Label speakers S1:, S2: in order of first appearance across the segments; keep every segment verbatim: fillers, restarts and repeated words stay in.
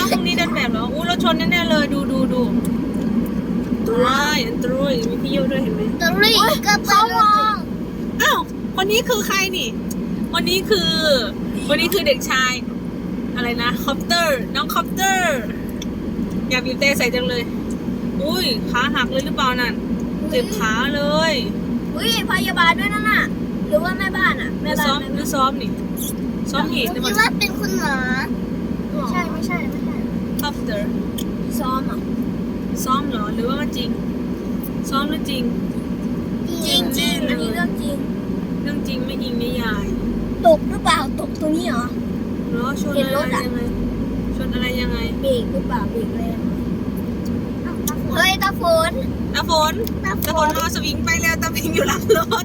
S1: าวตรงนี้เดินแบบเหรออู้รถชนแน่ๆเลยดูดูดูว้ายอันตรุยมีพี่โยด้วยเห็นไหม
S2: ตรีก็ไปลง
S1: อ้าวคนนี้คือใครนี่วันนี้คือวันนี้คือเด็กชายอะไรนะคอปเตอร์น้องคอปเตอร์อยากบีบเตะใส่จังเลยอุ้ยขาหักเลยหรือเปล่านั่นเจ็บขาเลย
S2: อุ้ยพยาบาลด้วยนั่นน่ะหรือว่าแม่บ้านอ่ะแม่
S1: ดู
S2: บ้า
S1: ซ้อน มดูซ้อมนี่ซ้อมเหตุหรือเป
S2: คิด
S1: ล่า
S2: ว่าเป็นคุณหมอใช่ไม่ใช่ไม่ใช่
S1: คอปเตอร์
S2: ซ้อมอ่ะ
S1: ซ้อมเหรอหรือว่ามันจริงซ้อมหรือจริง
S2: จริงจริงอันนี้เรื่องจริง
S1: เรื่องจริงไม่ยิงไม่ยาย
S2: ตกหรือเปล่าตกตัวนี้เหรอ
S1: เหรอชน
S2: เห็น
S1: อะไร
S2: รถอะ
S1: ยังไงชนอะไรยังไง
S2: เบรกหรือเปล่าเบรกแรงเฮ้ยตาฝน
S1: ตาฝน
S2: ตาฝ
S1: ตาฝน
S2: น
S1: เอาสวิงไปแล้วตาพิงอยู่หลังรถ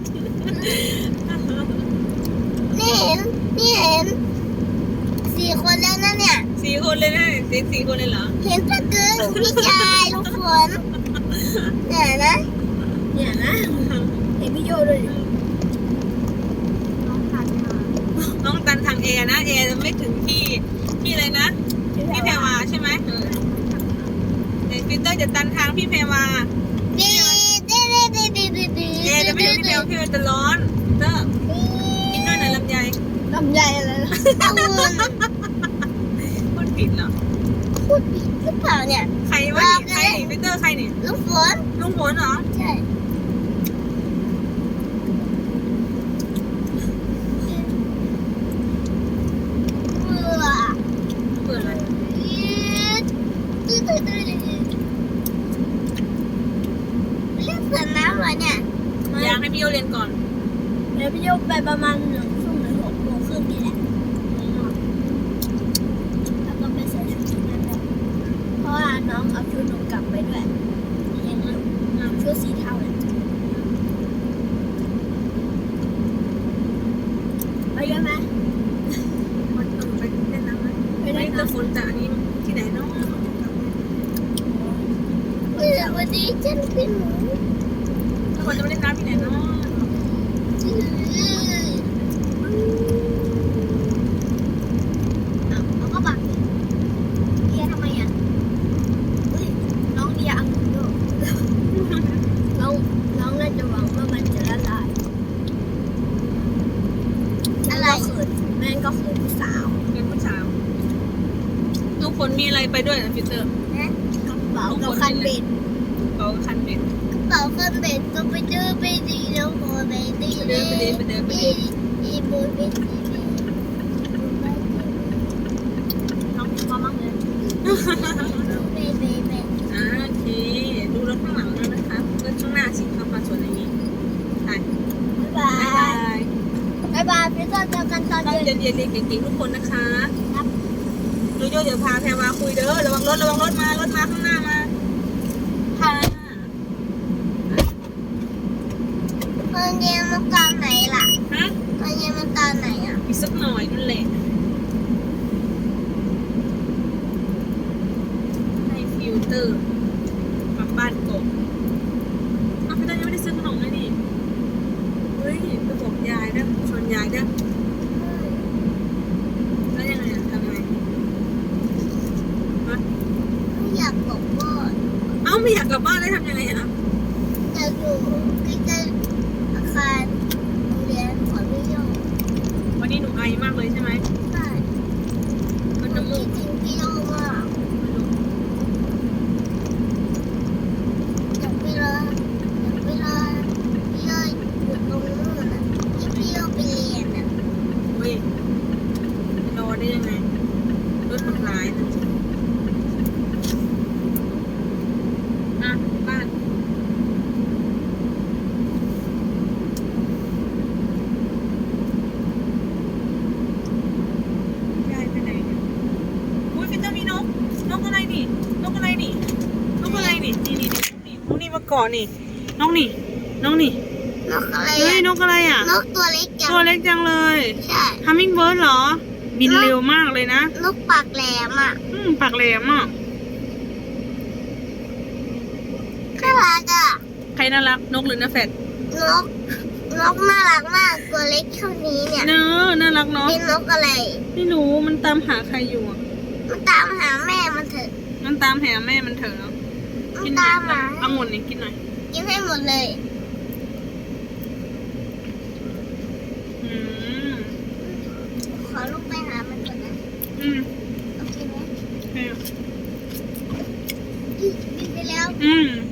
S2: นี่เห็นนี่เห็นสี่คนแล้วนะเนี่ย
S1: สี่คนเลยนะเด็กสี่คนเลยเหรอ
S2: เห็นปะกึ้งพี่ชายลูกฝนเนี่ยนะเนี่ยนะเห็นพี่โยด้วยดิน้องทันมา
S1: น้องตันทางแอร์นะแอร์จะไม่ถึงที่ที่อะไรนะพี่แพรวาใช่ไหมเออเดี๋ยวปีเตอร์จะตันทางพี่แพรวา
S2: ดีดีดีดีดีดีดี
S1: แอร์จะไม่ถึงพี่แพรวาพี่แพรวาจะร้อนเตอร์กินด้วยหน่อยลำไย
S2: ลำใหญ่เลยองุ่น
S1: พูดผิดเหรอ
S2: พูดผิดหรือเปล่าเนี่ย
S1: ใครวะนี่ใครนี่ปีเตอร์ใครนี่
S2: ลูกฝน
S1: ลุงฝนเหรอ
S2: ใช่เบื่อ
S1: เปิดอะไร
S2: เล่นสวนน้ำเหรอเนี่ย
S1: อยากให้พี่โยเรียนก่อน
S2: เดี๋ยวพี่โยกไปประมาณหนึ่งทุ่มหรือหกโมงครึ่งนี่แหละแล้วก็ไปใส่ชุดชุดนั้นเลยเพราะว่าน้องเอาชุดหนูกลับไปด้วยเห็นไหมชุดสีเทาเนี่ยไปด้วยไหม
S1: มันต้องไปเล่นน้ำไหม
S2: ไป
S1: ไม่
S2: ด้วย
S1: แต่
S2: นะ
S1: ฝนแต่อันนี้ที่ไหนเนาะ
S2: เออวันนี้ฉันเป็นหนู
S1: ถ้าฝนจะไปเล่นน้ำที่ไหนเนาะ
S2: อ้าวแล้วก็บักเดียทำไมอ่ะเฮ้ยน้องเดียอังโยน้องน้องน่าจะหวังว่ามันจะละลายอะไรคือแม่งก็คือผู้สาว
S1: เป็นผู้สาวลูกฝนมีอะไรไปด้วยนะฟิลเตอร์
S2: นะกระเป๋ากับคันเบ็ด
S1: เขาคันเบ็ด
S2: กระเป๋าคันเบ็ดก็ไปเจอไปดีแล้วโมไปดี
S1: ไปเดินไปเดินไปเดินไปเดิน
S2: ดีโมไปดี
S1: น้องพอมั้งเลย
S2: ไปไปไป
S1: อ่าโอเคดูรถข้างหลังแล้วนะคะรถข้างหน้าสิขับมาสวนอย่างนี้ไป
S2: บ๊ายบา
S1: บ๊ายบาย
S2: ยบ๊ายบายพี่ก็เจอกันตอน
S1: ตั้ง
S2: เย็น
S1: ใจเรียนเรียนเก่งๆทุกคนนะคะ
S2: ครับ
S1: โยโย่เดี๋ยวพาแพรวาคุยเด้อระวังรถระวังรถมารถมาข้างหน้ามาค่ะ
S2: ตอนเย็นมันตอนไหนล่ะ
S1: ฮะ
S2: ตอนเย็นมันตอนไหนอ่ะ
S1: อีกสักหน่อยนั่นแหละให้ฟิลเตอร์กลับบ้านก่อนอ้าวพี่เตอร์ยังไม่ได้ซื้อขนมเลยนี่เฮ้ยไปบอกยายนะชวนยายนะแล้วยังไงอะทำยังไงฮะ
S2: ไม่อยากบอกว่า
S1: เอ้าไม่อยากกลับบ้านได้ทำยังไงอะ
S2: อยากอยู่ใกล้ๆอาคารโรงเรียนของพี่โยง
S1: วันนี้หนูไอมากเลยใช่ไหม
S2: ใช่
S1: มัน
S2: ผ
S1: น้ำ
S2: ม
S1: มู
S2: คิ
S1: ก
S2: ดถึงพี่โยงมากอยากไปรออยากไปรอพี่โยงอยู่ตรงนู้นนะที่พี่โยงไปเรียนอ่ะ
S1: เฮ้ยรอได้ยังไงรถมันร้ายนะอ่ะบ้านยายไปไหนเนี่ยอุ้ยฟิตเตอร์มีนกนกอะไรนี่นกอะไรนี่นกอะไรนี่นี่นี่นี่นกนี่มาเกาะนี่นกนี่นกนี่
S2: นกอะไร
S1: เฮ้ย
S2: อ่ะ
S1: นกอะไรอ่ะ
S2: นกตัวเล็กจัง
S1: ตัวเล็กจังเลย
S2: ใช่
S1: ฮัมมิงเบิร์ดเหรอ บินเร็วมากเลยนะ
S2: นกปากแหลมอ่ะ
S1: อืมปากแหลมอ่ะ
S2: น่ารักอ่ะ
S1: ใครน่ารักนกหรือนาแฟด
S2: นก นกน่ารักมากตัวเล็กเท่านี้เนี่ย
S1: เนอะน่ารักเนาะ
S2: เป็นนกอะไร
S1: ไม่รู้มันตามหาใครอยู่อ่ะ
S2: มันตามหาแม่เถอะ
S1: มันตามแหแม่มันเถอะ
S2: มัน
S1: กินหน่
S2: ตา
S1: อย
S2: มมา
S1: องุ่นนี่กินหน่อย
S2: กินให้หมดเลย
S1: อืม
S2: ขอลูกไปหามันก่อนนะ
S1: อืม
S2: โอเคไหม
S1: โอเค
S2: กินไปแล้ว
S1: อืม